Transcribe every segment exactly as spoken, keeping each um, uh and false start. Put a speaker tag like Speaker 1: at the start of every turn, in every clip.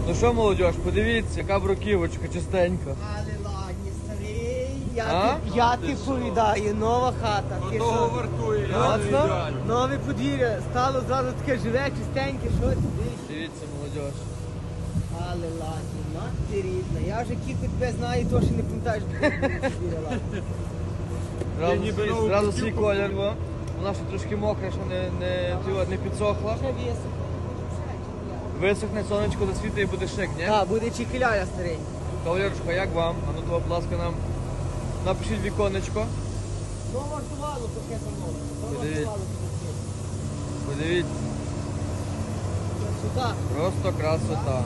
Speaker 1: Ну що, молодь, подивіться, яка бруківочка чистенька.
Speaker 2: Але ладні, старий, я,
Speaker 1: А?
Speaker 2: ти, я ти повідаю, нова хата. Ти
Speaker 3: Того
Speaker 2: що?
Speaker 3: вартує, я
Speaker 1: Моцно?
Speaker 3: не ідеально.
Speaker 2: Нове подвір'я, стало зразу таке живе, чистеньке, що ти дивиш?
Speaker 1: Дивіться, молодь.
Speaker 2: Але ладні, мати рідна, я вже кілька тебе знаю, то що не пам'ятаєш, як подвір'я ладні.
Speaker 1: Зразу,
Speaker 3: ніби
Speaker 1: свій-
Speaker 3: нову
Speaker 1: зразу
Speaker 3: бруківку
Speaker 1: свій колір, бо вона ще трошки мокра, що не, не, ти- не підсохла.
Speaker 2: Ще вісок.
Speaker 1: Висохне, сонечко засвітить і буде шик, ні?
Speaker 2: Так, буде чекіляля, старий.
Speaker 1: Кавалерочка, як вам? А ну то, будь ласка, нам напишіть віконечко.
Speaker 2: То вартувало пакетом нове, то
Speaker 1: Подивіться.
Speaker 2: вартувало пакетом.
Speaker 1: Подивіться,
Speaker 2: Сюди.
Speaker 1: просто красота.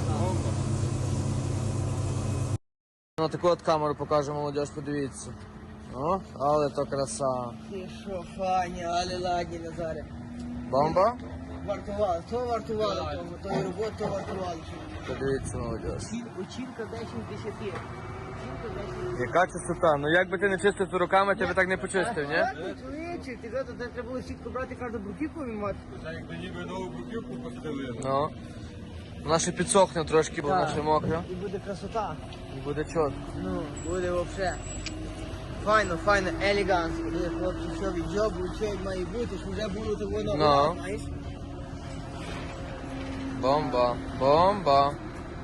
Speaker 1: На таку от камеру покажемо, молодь, подивіться. О, але то краса.
Speaker 2: Ти що, фані, але ладні, Назаре.
Speaker 1: Бомба?
Speaker 2: Вартувало, то вартувало, тому, то і робота, то вартувало.
Speaker 1: Подивіться, молодь.
Speaker 2: Очінка десять з десяти. Очінка десять.
Speaker 1: Яка чистота? Ну як би ти не чистив то руками, ти би так не почистив, ні?
Speaker 2: Чоловіче, ти знаєш, це треба було сітку брати, кожну бруківку вимати.
Speaker 3: Це якби ніби нову бруківку постелили.
Speaker 1: Ну. Вона ще підсохне трошки, бо вона ще мокра.
Speaker 2: І буде красота.
Speaker 1: І буде чот.
Speaker 2: Ну, буде взагалі. Файно, файно, елегантно. Буде хлопці, що від джобу, що як має бути, що вже було того
Speaker 1: Ну.
Speaker 2: нового, знаєш?
Speaker 1: Бомба, бомба.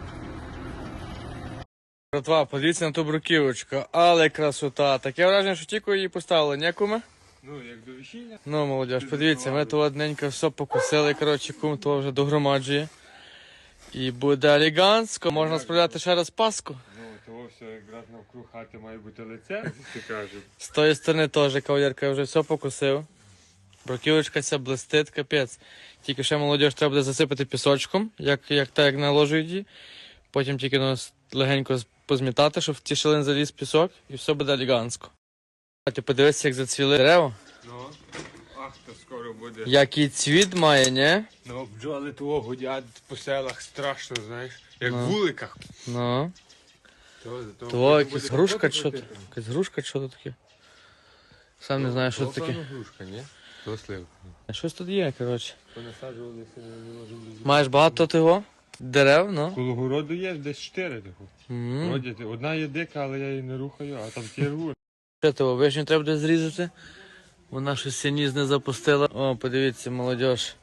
Speaker 1: Братва, подивіться на ту бруківочку, але красота. Таке враження, що тільки її поставили, не куме?
Speaker 3: Ну, як до весілля.
Speaker 1: Ну, молодь, подивіться, ми то одненько все покусили, коротше, кум то вже догромаджує. І буде елегантсько, можна справляти ще раз паску.
Speaker 3: Ну, того все якраз навкруг хати має бути лице, ти кажеш.
Speaker 1: З тої сторони теж кавалерка, я вже все покусив. Бруківочка ця блистить, капець. Тільки ще молодь треба буде засипати пісочком, як, як так, як наложують її. Потім тільки ну, легенько позмітати, щоб в ті шалин заліз пісок, і все буде елегантсько. А ти подивися, як зацвіли дерева.
Speaker 3: Ну, ах, то скоро буде.
Speaker 1: Який цвіт має, не?
Speaker 3: Ну, бджоли того гудять по селах страшно, знаєш. Як
Speaker 1: Ну.
Speaker 3: в вуликах.
Speaker 1: Ну.
Speaker 3: То, то,
Speaker 1: То якась грушка чи що то? Якась грушка чи що то таке? Сам не знаю, що це таке.
Speaker 3: грушка, ні? То сливка.
Speaker 1: Щось тут є, коротше.
Speaker 3: Понасаджувалися, не можемо.
Speaker 1: Маєш багато того? Дерев, ну.
Speaker 3: Коло городу є десь чотири такого.
Speaker 1: М.
Speaker 3: Вроді, одна є дика, але я її не рухаю, а там ті рву.
Speaker 1: Що того, вишню треба буде зрізати? Вона щось сініс не запустила. О, подивіться, молодь.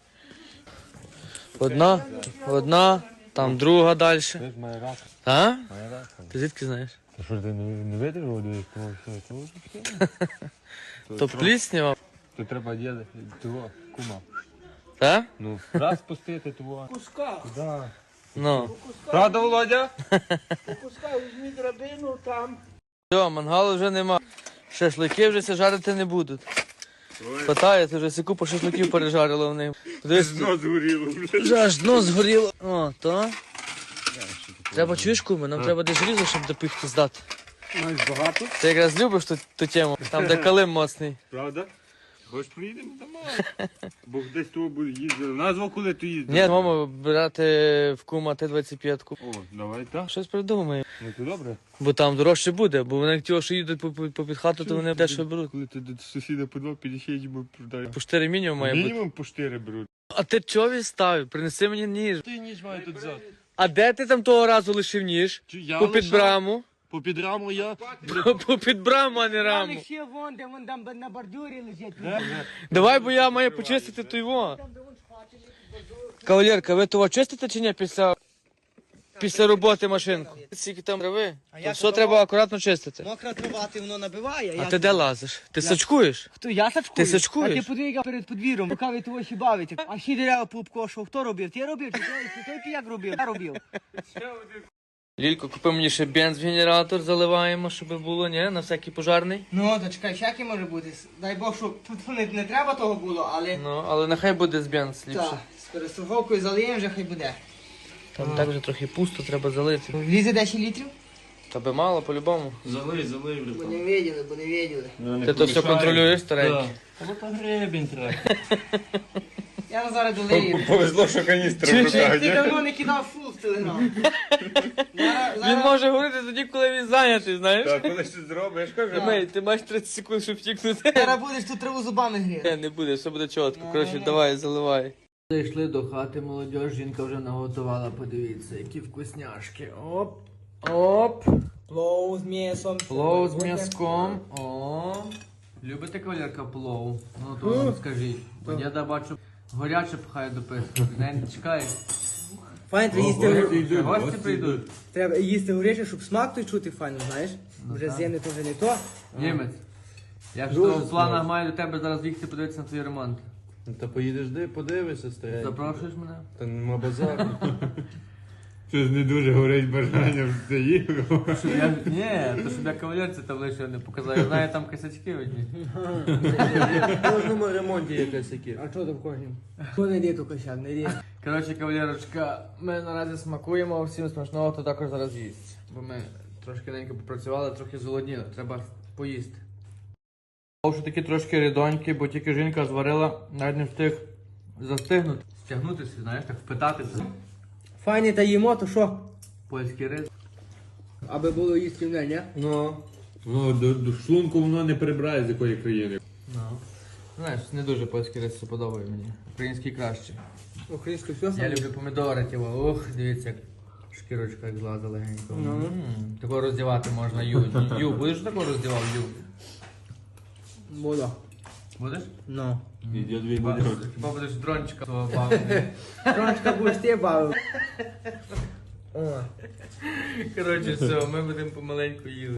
Speaker 1: Одна, одна, там друга далі.
Speaker 3: Це має рак,
Speaker 1: А?
Speaker 3: має рак.
Speaker 1: Ти звідки знаєш?
Speaker 3: Та що ти не, не видиш воду, як того все, того таке?
Speaker 1: То пліснява,
Speaker 3: То треба діяти того, кума.
Speaker 1: так?
Speaker 3: Ну, раз пустити того.
Speaker 2: Куска,
Speaker 3: Да.
Speaker 1: Ну.
Speaker 3: Правда, Володя?
Speaker 2: куска, візьмі драбину там.
Speaker 1: Все, мангалу вже нема. Шашлики вже ся жарити не будуть. Питаєте, вже всі купу шашликів пережарили в них. Подивись,
Speaker 3: Дно згоріло.
Speaker 1: вже аж дно згоріло. О, то. Треба чуєш, куми, нам треба десь різу, щоб до піхти здати.
Speaker 3: Маєш багато?
Speaker 1: Ти якраз любиш ту, ту тему, там де калим моцний.
Speaker 3: Правда? Хоч приїдемо домой. Бо десь того буде їздили. Назвав, коли ти їздив.
Speaker 1: Ні, мамо, брати в кума Т двадцять п'ять.
Speaker 3: О, давай так.
Speaker 1: Щось придумаємо.
Speaker 3: Ну то добре.
Speaker 1: Бо там дорожче буде, бо вони ті, що їдуть по, по, по під хату, то вони дешево беруть.
Speaker 3: Коли ти до сусіда по два підійшов, йому продаєш.
Speaker 1: По чотири мінімум має бути.
Speaker 3: Мінімум по чотири беруть.
Speaker 1: А ти чого відставив? Принеси мені ніж.
Speaker 3: Ти ніж має тут взяти.
Speaker 1: А де ти там того разу лишив ніж?
Speaker 3: Я
Speaker 1: По під браму.
Speaker 3: По під раму я.
Speaker 1: По, по під браму, а не раму.
Speaker 2: ще вон, де вон там на бордюрі лежить.
Speaker 1: Давай, бо я маю почистити той во. Кавалерка, ви того чистите чи ні після, після роботи машинку? Скільки там трави? То
Speaker 2: як
Speaker 1: все
Speaker 2: то?
Speaker 1: треба акуратно чистити.
Speaker 2: Мокра трава, ти воно набиває.
Speaker 1: А
Speaker 2: я-
Speaker 1: ти де лазиш? Ти сачкуєш?
Speaker 2: Хто, я сачкую?
Speaker 1: Ти сачкуєш?
Speaker 2: А ти подвійка перед подвір'ям, поки ви того ще бавите. А всі дерева пообкошував. Хто робив? Ти робив? Чи той, чи той піяк робив? Я робив.
Speaker 1: Лілько, купи мені ще бенз в генератор, заливаємо, щоб було, ні, на всякий пожарний.
Speaker 2: Ну, то чекай, всяке може бути. Дай Бог, щоб тут не, не треба того було, але...
Speaker 1: Ну, але нехай буде з бенз ліпше.
Speaker 2: Так, з перестраховкою залиємо, вже хай буде.
Speaker 1: Там так вже трохи пусто, треба залити.
Speaker 2: Влізе десять літрів?
Speaker 1: Та би мало, по-любому.
Speaker 4: Залий, залий,
Speaker 2: Бо
Speaker 4: братан.
Speaker 2: не виділи, бо не виділи.
Speaker 1: Ти то все контролюєш, старенький?
Speaker 4: Ну то гребінь треба.
Speaker 2: Я на зараз долию.
Speaker 3: Повезло, що каністра
Speaker 1: Чуєш,
Speaker 3: в руках,
Speaker 2: Ти
Speaker 3: ні?
Speaker 2: давно не кидав фул в телеграм. Зараз-
Speaker 1: Він
Speaker 2: зараз-
Speaker 1: може говорити тоді, коли він зайнятий, знаєш?
Speaker 3: Так, коли щось зробиш,
Speaker 1: Ти,
Speaker 3: кажу.
Speaker 1: май- ти маєш тридцять секунд, щоб втікнути.
Speaker 2: Зараз будеш тут траву зубами гріти.
Speaker 1: Не, не буде, все буде чітко. Коротше, давай, заливай. Зайшли до хати, молодь, жінка вже наготувала, подивіться, які вкусняшки. Оп, оп.
Speaker 2: Плов з м'ясом.
Speaker 1: Плов з м'язком. О. Любите, кавалерка, плов? Ну то вам скажіть. Бо я да бачу, горяче пхає до писку. Не чекай.
Speaker 2: Файно, треба
Speaker 3: Гості
Speaker 2: їсти,
Speaker 3: йдуть,
Speaker 1: Гості
Speaker 3: гості
Speaker 1: прийдуть.
Speaker 2: треба їсти горяче, щоб смак той чути файно, знаєш? Вже
Speaker 1: так.
Speaker 2: з'ємне то вже не то.
Speaker 1: Німець. Я ж
Speaker 3: Дуже
Speaker 1: то в планах
Speaker 3: смачно.
Speaker 1: маю до тебе зараз їхати подивитися на твій ремонт.
Speaker 5: Ну, Та поїдеш де, подивишся, старенький.
Speaker 1: Запрошуєш мене?
Speaker 5: Та нема базару.
Speaker 3: Щось не дуже горить бажання в це їхав.
Speaker 1: Щоб я... Ні, то щоб я кавалерці там лише не показав. Я знаю там косячки одні.
Speaker 5: В кожному ремонті якась які.
Speaker 2: А що там кожним? Хто не йде, то косяк, не йде.
Speaker 1: Коротше, кавалерочка, ми наразі смакуємо, всім смачного, хто також зараз їсть. Бо ми трошки ненько попрацювали, трохи зголодніли, треба поїсти. Що такі трошки рідонькі, бо тільки жінка зварила, навіть не встиг застигнути. Стягнутися, знаєш, так впитатися.
Speaker 2: Файне та їмо, то що?
Speaker 1: Польський рис.
Speaker 2: Аби було їсти в неї, ні?
Speaker 5: Ну,
Speaker 3: Ну, до, до шлунку воно не прибирає з якої країни.
Speaker 1: Ну. Знаєш, не дуже польський рис подобає мені. Український краще.
Speaker 2: Українське все
Speaker 1: Я
Speaker 2: саме.
Speaker 1: люблю помідори, тіво. Ух, дивіться, як шкірочка як злаза легенько.
Speaker 2: Ну.
Speaker 1: М, Такого роздівати можна ю. Ю, будеш такого роздівав, ю?
Speaker 2: Буду.
Speaker 1: Будеш?
Speaker 2: Ну.
Speaker 5: я дві
Speaker 1: Хіба,
Speaker 5: буде.
Speaker 1: хіба будеш дрончика свого бавити?
Speaker 2: Трошки будеш ти бавив. О.
Speaker 1: Коротше, все, ми будемо помаленьку їли.